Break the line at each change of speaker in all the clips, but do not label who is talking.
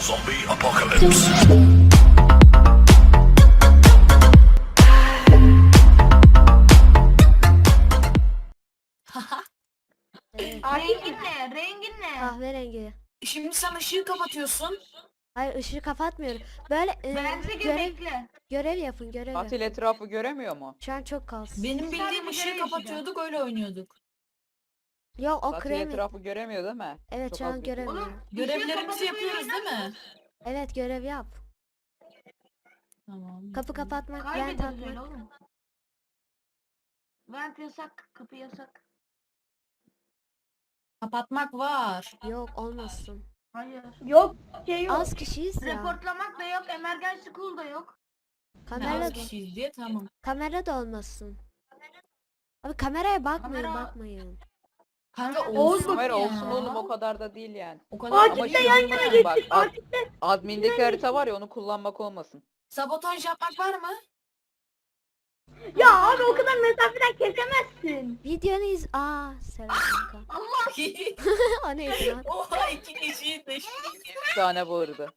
Zombie apocalypse.
Evet.
Rengin ne? Rengin ne?
Kahverengi.
Şimdi sen ışığı kapatıyorsun.
Hayır, ışığı kapatmıyorum. Böyle
Bence gir
görev
bekle.
görev yapın, görev
Katil
yapın.
etrafı göremiyor mu?
Şu an çok kalsın.
Benim
Sadece
bildiğim ışığı
görev
kapatıyorduk öyle oynuyorduk.
Yok, o
Katil
kremi.
etrafı göremiyor değil mi?
Evet,
Çok
şu
az
an
bir-
göremiyorum.
Oğlum
Görevlerimizi
kapatıp öyle
yapıyoruz değil mi?
oynarsanız
Evet, görev yap.
Tamam.
Kapı kapatmak, vent
Kaybederiz öyle
atmak.
oğlum. Vent yasak, kapı yasak.
Kapatmak var.
Yok, olmasın.
Hayır.
Yok şey yok.
Az kişiyiz ya.
Reportlamak da yok, emergency call da yok.
Kamera
Ne az
da,
kişiyiz diye tamam.
kamera da olmasın. Abi kameraya bakmayın,
Kamera-
bakmayın.
Kanka
Oğuz
olsun
Kamera
ya.
olsun oğlum, o kadar da değil yani.
O kadar
Ama
Akif'le
şu
yan
duruma
yana
bak,
geçtik. Akif'le
admindeki harita var ya, onu kullanmak olmasın.
sabotaj yapmak var mı?
ya abi o kadar mesafeden kesemezsin.
Videonu selam kanka. O neydi lan?
Oha 2 kişiyi de.
Bir tane bağırdı.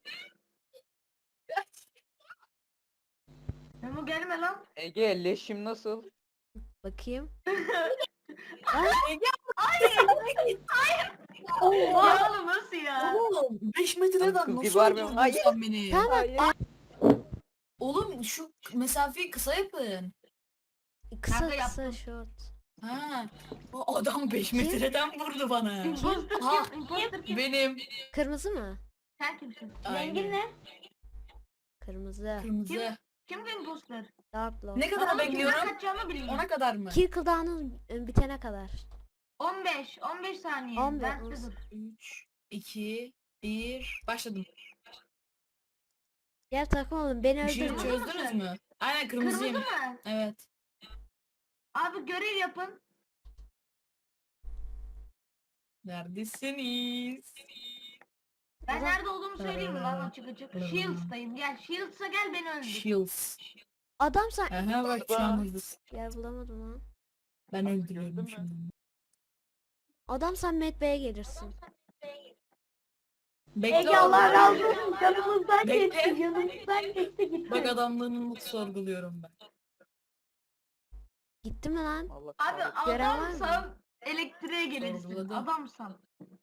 Memo gelme lan.
Ege, leşim nasıl?
Bakayım.
Ya oğlum nasıl ya?
Oğlum 5 metreden
Kız
nasıl
gibi var mı?
öldürdün
Hayır.
sen beni?
Tamam.
Hayır.
Oğlum şu mesafeyi kısa yapın.
Kısa
Kanka
kısa
yaptım.
short.
Ha. O adam 5 metreden vurdu bana.
Imposter
Ha.
kim? Imposter kim?
Benim.
Kırmızı mı?
Sen kimsin?
Rengin ne?
Kırmızı.
Kırmızı.
Kim bu imposter?
Dark Lord.
Ne kadar
Tamam,
bekliyorum?
kimden kaçacağımı bileyim.
Ona kadar mı?
Kill cooldown'un bitene kadar.
15 saniye.
15,
Ben
10.
dur.
3, 2, 1. Başladım.
Gel takım olun, beni
İşini
öldürme.
Kırmızı
çözdünüz
mısın?
mü? Aynen
Kırmızı
kırmızıyım.
mı?
Evet.
Abi görev yapın.
Neredesiniz?
Ben
Adam-
nerede olduğumu söyleyeyim mi lan açık açık? Shields'tayım. Gel Shields'a gel beni öldür.
Shields.
Adam sen...
Aha bak şu an hızlısın.
Yer bulamadım lan.
Ben
Gördün
öldürüyorum
mü?
şimdi.
Adam sen Med Bey'e gelirsin.
Bekle
Ege Allah
oğlum.
razı olsun. Yanımızdan
Bekle.
geçti. Yanımızdan geçti gitti.
Bak adamlığını sorguluyorum ben.
Gitti mi lan?
Allah
Abi
kahretsin.
Gören var mı?
adamsan elektriğe gelirsin.
Sorguladım.
Adamsan.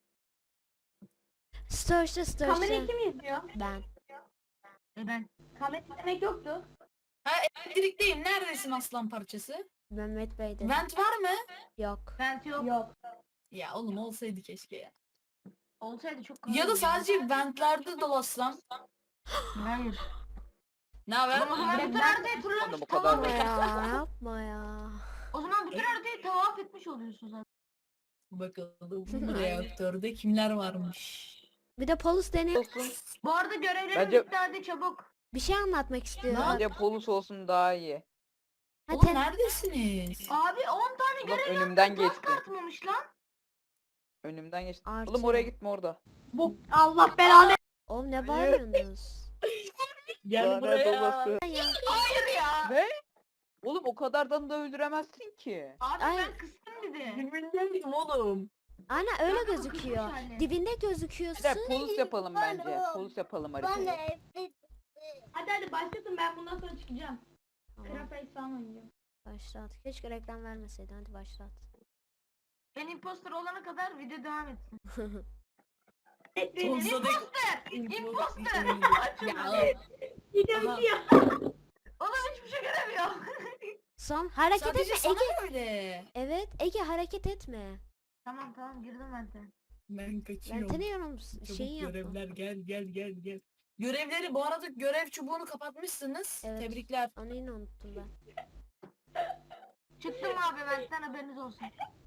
Storage'da
Kamerayı kim izliyor?
Ben.
Ben.
Kamera izlemek yoktu.
Ha elektrikteyim. Neredesin aslan parçası?
Ben Med Bey'de.
Vent var mı?
Yok.
Vent yok.
Yok.
Ya oğlum olsaydı keşke ya.
Olsaydı çok
Ya da sadece ventlerde dolaşsam.
Hayır.
Ne haber?
Oğlum o zaman bütün haritayı turlamış
Oğlum o kadar
tavaf
da-
Yapma ya, yapma ya.
O zaman bütün haritayı tavaf etmiş oluyorsun zaten.
Bakalım bu reaktörde kimler varmış.
Bir de polis deney.
Olsun.
Bu arada görevlerim
Bence-
bitti hadi çabuk.
Bir şey anlatmak istiyorum.
Bence polis olsun daha iyi.
Ha,
Oğlum neredesiniz?
Abi 10 tane
Oğlum
görev
önümden
yaptım.
geçti.
Task atmamış lan.
Önümden geçti.
Artı.
Oğlum oraya gitme orada.
Bu Allah belanı.
Oğlum ne bağırıyorsunuz?
Gel
Lanet
buraya.
olası.
Ya.
Hayır ya.
Ne? Oğlum o kadardan da öldüremezsin ki.
Abi
Ay.
ben kıstım bir de.
Dibindeydim oğlum.
Ana öyle
Kanka bu
gözüküyor.
kızmış hali.
Dibinde
Bir
gözüküyorsun.
de polis yapalım bence. Polis yapalım haritayı.
Hadi hadi başlasın, ben bundan sonra çıkacağım.
Tamam,
Craft'ı falan oynayacağım.
başlat. Keşke reklam vermeseydin. Hadi başlat.
Ben imposter olana kadar video devam etsin.
Sonsuza dek.
Imposter!
Ya
Gidiyorum
Aha.
diyor.
Oğlum hiçbir şey göremiyor.
Son hareket
sadece
etme
sana
Ege.
öyle.
Evet Ege, hareket etme.
Tamam girdim ben de.
Ben
Ben
kaçıyorum.
tanıyorum,
Çabuk
şeyi yapma.
görevler gel. Görevleri bu arada görev çubuğunu kapatmışsınız.
Evet.
Tebrikler.
Onu yine unuttum ben.
Çıktım abi benden haberiniz olsun.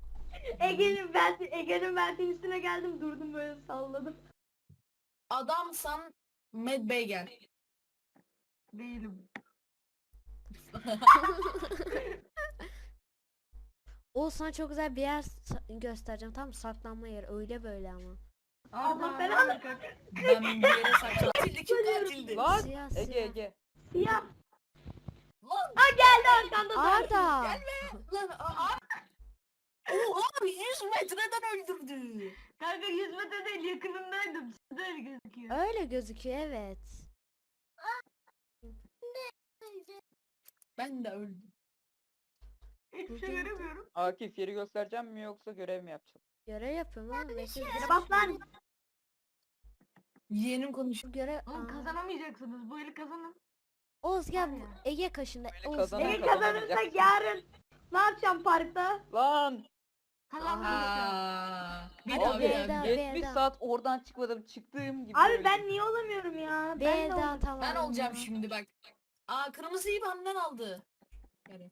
Ege'nin verdiğin üstüne geldim, durdum böyle salladım.
Adamsan Med Bey gel.
Değilim.
O sana çok güzel bir yer göstereceğim. Tam saklanma yeri. Öyle böyle ama.
Allah belanı.
Ben bir yere saklandım. Katildi kim katildi?
Lan
Siyah,
Ege
siyah.
Ege.
Siyah.
Lan
Geldi arkanda da.
Arda.
lan Oha 100 metreden öldürdü.
Kanka 100 metre değil yakınındaydım. Size öyle gözüküyor.
Öyle gözüküyor evet.
Ben de öldüm.
Hiçbir şey göremiyorum.
Akif yeri göstereceğim mi yoksa görev mi yapacağım?
Görev yapıyorum oğlum. Ve siz
Yere bas lan.
Yeğenim konuşuyor.
görev...
Oğlum
Aa.
kazanamayacaksınız. Bu eli kazanın.
Oğuz gel bu-
Var ya.
Ege kaşında.
Böyle
Oğuz
kazanan-
gel.
Ege kazanırsak yarın ne yapacağım parkta?
Lan!
Kazanmayacağım.
Bir
Hadi
daha
be,
bir
daha.
daha.
70
B'den.
saat oradan çıkmadım çıktığım gibi
Abi
öldüm.
ben niye olamıyorum ya? Ben de
B'den
olamıyorum.
tamam.
Ben olacağım şimdi bak. Aa kırmızıyı benden aldı. Yani.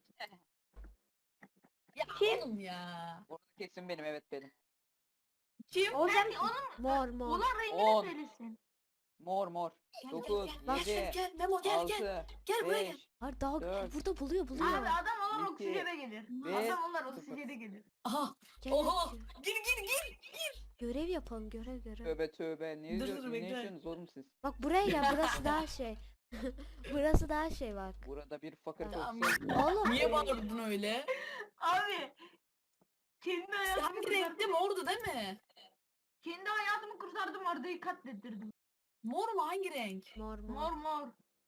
Ya
Kim?
oğlum ya.
Orada kesin benim, evet benim.
Kim?
Olacağım.
Mor mor.
Ulan rengini
10.
söylesin.
Mor.
Gel,
9,
gel, gel,
7,
gel, Memo gel gel.
6,
Gel buraya gel.
5,
Hayır daha
Dört.
burada buluyor.
Abi adam olur
İki,
oksijene gelir.
bir,
Adam olur
sıfır.
oksijene gelir.
Aha.
Gel,
Oha.
gel.
Gir.
Görev yapalım görev.
tövbe. Ne
Dur,
diyorsunuz? Ne
bekle.
yaşıyorsunuz oğlum siz?
Bak buraya gel burası daha şey. Burası daha şey bak.
Burada bir fakir
Tamam.
olsa.
Oğlum.
Niye bağırdın öyle?
Abi. Kendi hayatımı
Hangi renkli mordu değil mi?
Kendi hayatımı kurtardım Arda'yı katlettirdim.
Mor mu hangi renk?
Mor
Mor
mor.
mor.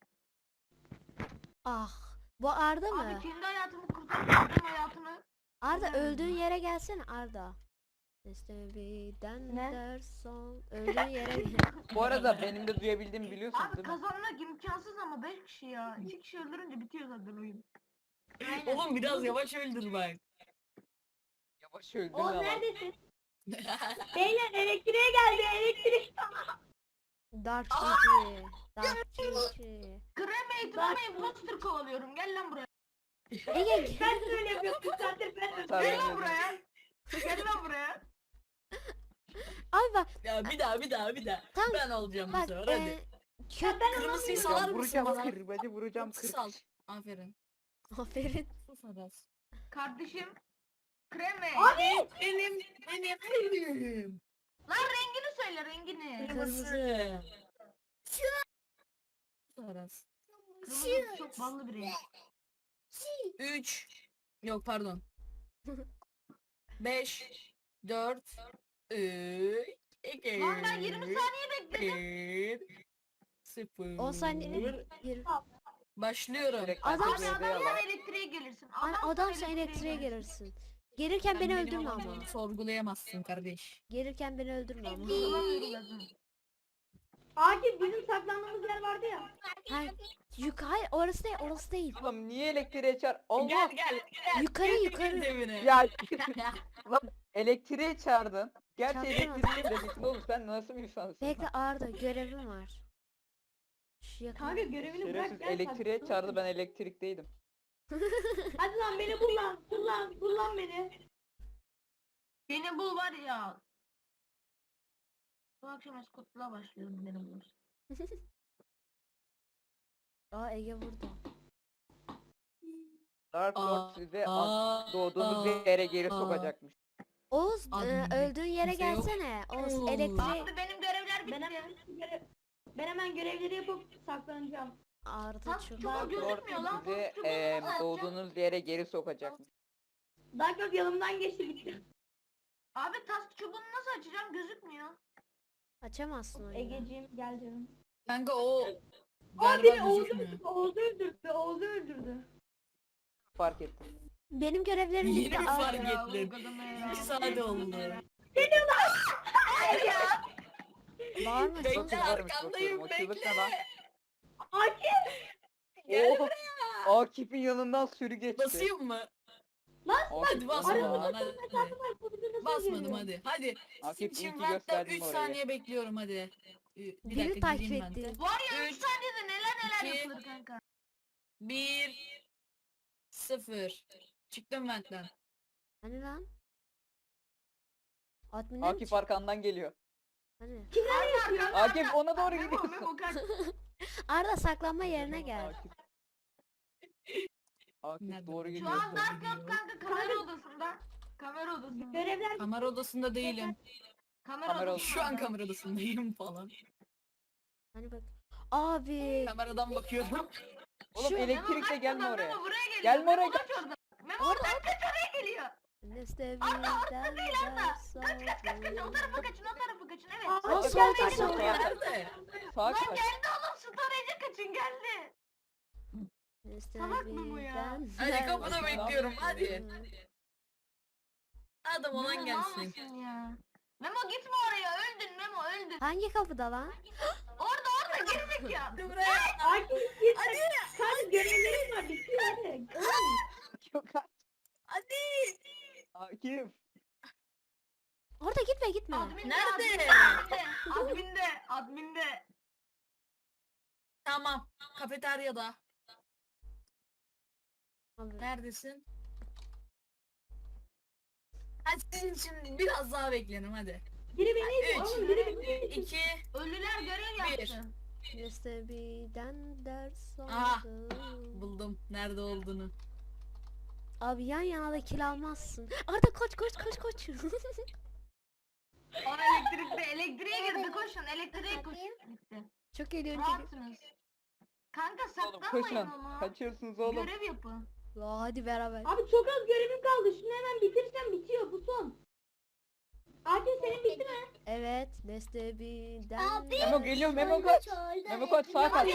Ah. Bu Arda mı?
Abi kendi hayatımı kurtardım hayatını.
Arda
Öyle mi?
öldüğün yere gelsene Arda. İstemeden
Ne?
derson öldüğün yere gel.
Bu arada benim de duyabildiğimi biliyorsunuz
Abi
değil mi?
kazanmak imkansız ama 5 kişi ya. 2 kişi öldürünce bitiyor zaten oyun. Aynen.
Oğlum biraz yavaş öldür bak.
Yavaş öldün
O
ama.
neredesin? Beyler elektriğe geldi elektrik.
Dark City. Dark City.
Kremate imposter kovalıyorum. Gel lan buraya.
Ege
Ben de öyle yapıyorum. Bir saattir ben de.
Tabii.
Gel lan buraya. Gel lan buraya.
Abi bak
Ya bir daha.
Tam-
Ben olacağım bu
bak
sefer hadi.
kötü
Kırmızıyı salar mısın
Vuracağım
bana?
kır. Hadi vuracağım kır.
Sal. Aferin.
aferin.
Sus Aras.
Kardeşim. Kreme.
Benim.
Lan rengini söyle rengini.
Kırmızı.
Sus Aras.
Kırmızı çok ballı bir renk.
3. Yok pardon. 5. 4. 3. 2.
Lan ben 20 saniye bekledim.
0.
10 saniye. Yirmi.
Başlıyorum.
Direkt
Adam
herkes
Abi
evde
adam
yalan.
sen elektriğe gelirsin.
Hani adam sen elektriğe gelirsin. Gelirken
Sen
beni
benim
öldürme ama.
alanımı sorgulayamazsın kardeş.
Gelirken beni öldürme ama.
Akif bizim saklandığımız yer vardı ya.
Hayır, hayır orası değil orası değil.
Oğlum niye elektriğe çağır? Allah!
Gel.
Yukarı yukarı.
Evine.
Ya lan elektriğe çağırdın. Gerçi
Çarptın
elektriğe dediktin oğlum, sen nasıl bir insansın?
Bekle Arda görevim var. Şu yakın.
Kanka görevini bırak.
Şerefsiz
gel,
elektriğe
saklan.
çağırdı, ben elektrikteydim.
Hadi lan beni bul lan. Bul lan beni.
Beni bul var ya. Bu akşam eskutluğa başlıyorum beni bulursun.
Aa Ege burada.
Dark
Aa,
Lord sizi
aa,
doğduğunuz
aa,
yere geri
aa.
sokacakmış.
Oğuz
Abi,
öldüğün yere
kimse yok.
gelsene. Oğuz
Oo.
elektriği.
Abi benim görevler
Ben hemen,
bitti.
ben hemen görevleri yapıp saklanacağım.
Arda
Tas
çok.
çok
Dark
gözükmüyor lan.
Lord sizi
Tas çubuğunu nasıl açacağım?
doğduğunuz yere geri sokacakmış.
Dark Lord yanımdan geçti gitti.
Abi tas çubuğunu nasıl açacağım gözükmüyor.
Açamazsın oyunu.
Egeciğim gel canım.
Kanka o
Aa biri
galiba gözükmüyor.
Oğuz'u öldürdü.
Fark ettim.
Benim görevlerim
Yeni
bitti
mi
Arda.
fark
Ya,
ettin?
bu kadına ya.
2 saat oldu.
Bağırma.
Bekle,
Çok varmış
arkandayım,
bakıyorum. O çığlık
bekle.
ne lan?
Akif!
Gel
Oh! Akif'in yanından sürü geçti.
Basayım mı?
Akif,
Hadi basma
basma.
lan hadi. Basmadım hadi. Hadi.
Akif iyi
Şimdi
ki
ben
gösterdin
3
orayı.
saniye bekliyorum hadi. Bir
Biri
dakika
takip
gireyim ben de.
etti.
Var ya 3
Üç,
saniyede neler
iki,
yapılır kanka.
1 0. Çıktım benden.
Hani lan? Admin'e mi
Akif
çıktı?
arkandan geliyor.
Hani?
Akif ona doğru
Memo,
gidiyorsun.
Memo kaç.
Arda saklanma yerine gel.
Akif. Akif
Nerede
doğru
bu?
Şu
gidiyor.
an Dark Lord kanka kamera odasında. Kamera odasında.
Görevler
Kamera odasında değilim.
Kamera
Kamera
odasında.
Şu an kamera odasındayım falan.
Hani bak. Abi.
Kameradan bakıyorum.
Oğlum
Şu-
elektrikle gelme
Memo,
oraya.
Memo buraya geliyor.
Gelme oraya,
Memo kaç oradan. Memo oradan kaç oraya geliyor.
Neste
Ata
birden
değil Ata.
ders
Kaç o
aldım.
tarafa kaçın o tarafa kaçın evet.
Aa,
Aa,
gel,
sol
gel,
tak,
gel.
sol.
Nerede?
Sağa
Lan
kaç.
geldi oğlum storage'e kaçın geldi.
Neste
Salak mı bu ya?
birden
Hadi
ders
kapıda bekliyorum, hadi.
aldım.
Adam
Memo
olan
mal
gelsin.
mısın ya? Memo gitme oraya öldün Memo öldün.
Hangi kapıda lan?
Orada gerizekalı.
Hadi buraya.
Akif git. Kanka görevlerim var bitiyor hadi.
Yok artık.
Hadi.
Akif.
Orada gitme gitme.
Adminde,
Nerede?
Adminde.
Tamam. Kafeteryada.
Abi,
Neredesin? Hadi sizin için biraz daha beklerim hadi.
Biri beni
Üç.
oğlum biri beni
2
Ölüler görev
Bir.
yaptı.
Neste birden ders
Aha.
aldım.
buldum nerede olduğunu.
Abi yan yana da kill almazsın. Arda koş koş koş koş.
O elektriğe girdi koşun elektriğe koşun. Gitti.
Çok eğlenceli.
Rahatsınız. Kanka
Oğlum
saklanmayın
koşun.
onu.
Kaçıyorsunuz oğlum.
Görev yapın.
La hadi beraber.
Abi çok az görevim kaldı. Şunu hemen bitirsem bitiyor bu son. Akif senin bitti mi?
Evet, Neste birden
Memo geliyor, Memo kaç. Memo kaç, sağa kaç.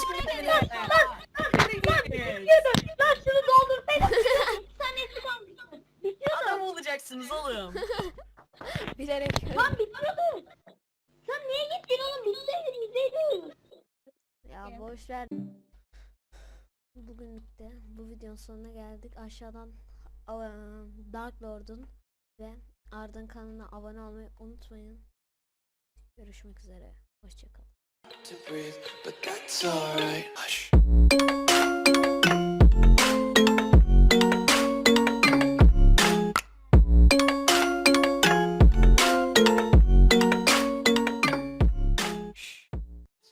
Lan şunu doldur. Bir saniyesi kaldı. Bitiyordu.
Adam olacaksınız oğlum.
bilerek.
Lan bitiyordu. Sen niye gittin oğlum? Bitseydin.
Ya boş ver. Bugünlük de bu videonun sonuna geldik. Aşağıdan Dark Lord'un ve Arda'nın kanalına abone olmayı unutmayın. Görüşmek üzere. Hoşçakalın.
To breathe, but that's alright. Hush.